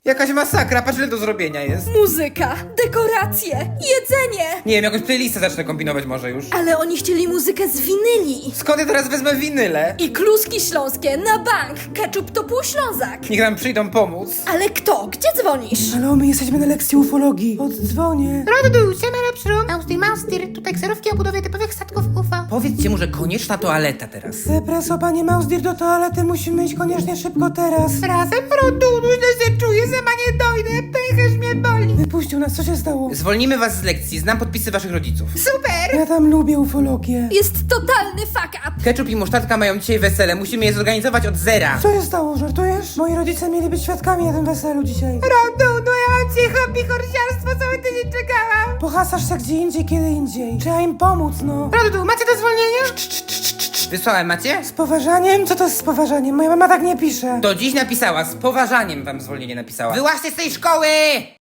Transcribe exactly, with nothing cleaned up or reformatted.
Jakaś masakra, patrz ile do zrobienia jest. Muzyka, dekoracje, jedzenie. Nie wiem, jakąś playlistę zacznę kombinować może już. Ale oni chcieli muzykę z winyli. Skąd ja teraz wezmę winyle? I kluski śląskie na bank. Ketchup to pół Ślązak. Niech nam przyjdą pomóc. Ale kto? Gdzie dzwonisz? Halo, my jesteśmy na lekcji ufologii. Oddzwonię. Rodu, siemano pszrum, Austin Maustir, tutaj kserówki o budowie typowych statków U F O. Powiedzcie mu, że konieczna toaleta teraz. Zepreso, panie Mausdir, do toalety musimy iść koniecznie szybko teraz. Razem, Rodu, źle się czuję, sama nie dojdę, pęcherz mnie boli. Wypuścił nas, co się stało? Zwolnimy was z lekcji, znam podpisy waszych rodziców. Super! Ja tam lubię ufologię. Jest totalny fuck up. Ketchup i musztardka mają dzisiaj wesele, musimy je zorganizować od zera. Co się stało, żartujesz? Moi rodzice mieli być świadkami na tym weselu dzisiaj. Rodu, no ja mam dzisiaj hobby horsiarstwo, cały tydzień czekałam. Pohasasz się gdzie indziej, kiedy indziej. Trzeba im pomóc, no. Rodu, macie do zwolnienia? Wysłałem, macie? Z poważaniem? Co to jest z poważaniem? Moja mama tak nie pisze. Do dziś napisała, z poważaniem wam zwolnienie napisała. Wyłaźcie z tej szkoły!